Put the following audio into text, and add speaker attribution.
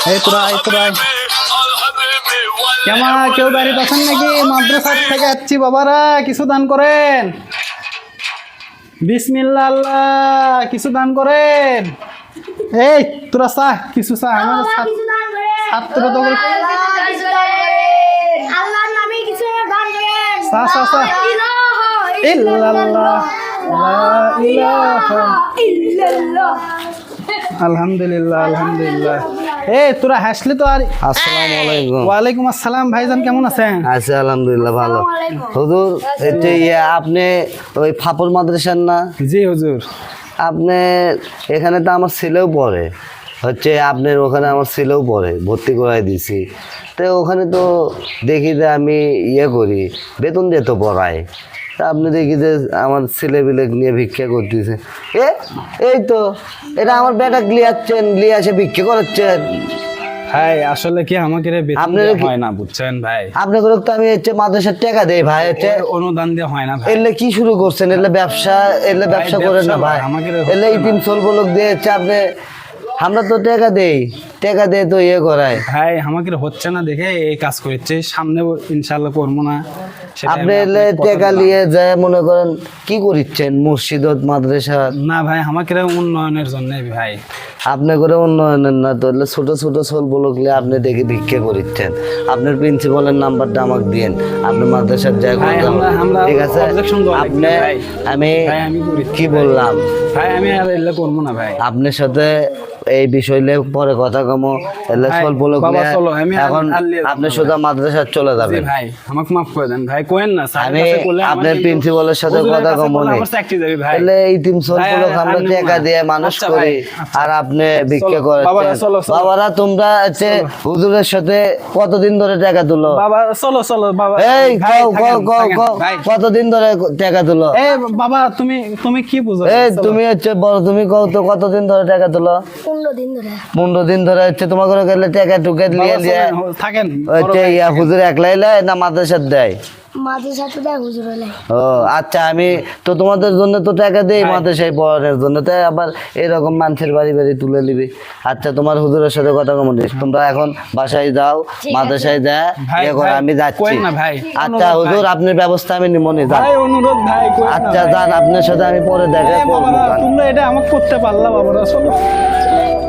Speaker 1: এই তোরা কেমন কেউ বাড়িতে আছেন নাকি? মাদ্রাসা থেকে আসছি বাবারা, কিছু দান করেন। বিসমিল্লাহ আল্লাহ, কিছু দান করেন। এই তোরা চা, কিছু চা আমার ছাত্র তো চা চা চা। ইল্লাল্লাহ লা ইলাহা ইল্লাল্লাহ। আলহামদুলিল্লাহ আলহামদুলিল্লাহ। এই তোরা হাসলি তো। আর
Speaker 2: আসসালামু আলাইকুম।
Speaker 1: ওয়ালাইকুম আসসালাম। ভাইজান কেমন আছেন?
Speaker 2: আছি আলহামদুলিল্লাহ ভালো। হুজুর আপনি ওই ফাপর মাদ্রাসার না?
Speaker 1: জি হুজুর।
Speaker 2: আপনি এখানে তো আমার ছেলেও পড়ে, আপনার ওখানে আমার ছেলেও পড়ে, ভর্তি করাই দিছি। তো ওখানে তো দেখি যে আমি করি, বেতন দিয়ে তো পড়াই। তা আপনি দেখি যে আমার ছেলেপিলে নিয়ে ভিক্ষা করতেছে। এই তো এটা আমার বেটা নিয়ে আসে ভিক্ষা করাচ্ছেন।
Speaker 1: ভাই আসলে কি আমাকে হয় না বুঝছেন ভাই।
Speaker 2: আপনাকে তো আমি মাদ্রাসার টাকা দেই ভাই,
Speaker 1: অনুদান দিয়ে হয় না ভাই।
Speaker 2: এলে কি শুরু করছেন? ব্যবসা করেন না ভাই। এলে ইতিম লোক দিয়ে আপনি, আমরা তো টাকা দেই তো করায়
Speaker 1: ভাই। আমাকে হচ্ছে না দেখে এই কাজ করছে, সামনে ইনশাল্লাহ করবো না।
Speaker 2: আপনি এলে টাকা নিয়ে যায় মনে করেন কি করিচ্ছেন মসজিদ মাদ্রাসা?
Speaker 1: না ভাই, আমাকে উন্নয়নের জন্য ভাই।
Speaker 2: আপনি করে উন্নয়নের না তো ছোট ছোট লোকলে আপনি দেখে ভিক্ষা করিচ্ছেন। আপনার প্রিন্সিপালের নাম্বারটা আমাকে দিন, আপনি মাদ্রাসার যাই ঠিক আছে। আপনি আমি কি বললাম
Speaker 1: ভাই, আমি আর এলে করবো না ভাই।
Speaker 2: আপনার সাথে এই বিষয় পরে কথা কমো। এখন আপনি শুধু মাদ্রাসা চলে যাবেন
Speaker 1: ভাই। আমাকে মাফ করে দেন ভাই, কোয়েন না।
Speaker 2: আমি আপনার প্রিন্সিপালের সাথে কথা কমো এলে ইতিম লোক আমরা টাকা দিয়ে মানুষ করি, আর আপনি ভিক্ষা করেন। বাবারা তোমরা হুজুরের সাথে কতদিন ধরে টাকা তুলো?
Speaker 1: বাবা চলো চলো বাবা।
Speaker 2: এই কতদিন ধরে টাকা তুলো?
Speaker 1: বাবা তুমি কি বুঝো?
Speaker 2: তুমি বড়, তুমি কতদিন ধরে টাকা তুলো? 15 দিন ধরে তোমার ঘরে গেলে টাকা টুকে নিয়ে
Speaker 1: থাকেন।
Speaker 2: হুজুর একলাই না মাদ্রাসার দেয়? ও আচ্ছা, আমি তো তোমাদের জন্য তো টাকা দেই মাদ্রাসায় পড়ানোর জন্য, তাই আবার এরকম মানুষের বাড়ি তুলে নিবি। আচ্ছা, তোমার হুজুরের সাথে কথা কম দিস। তোমরা এখন বাসায় যাও, মাদ্রাসায় যা আমি যাচ্ছি। আচ্ছা হুজুর, আপনার ব্যবস্থা আমি নিমনি যান। আচ্ছা যান, আপনার সাথে আমি পরে দেখা করবো।
Speaker 1: তোমরা এটা আমাকে করতে পারলাম বাবা।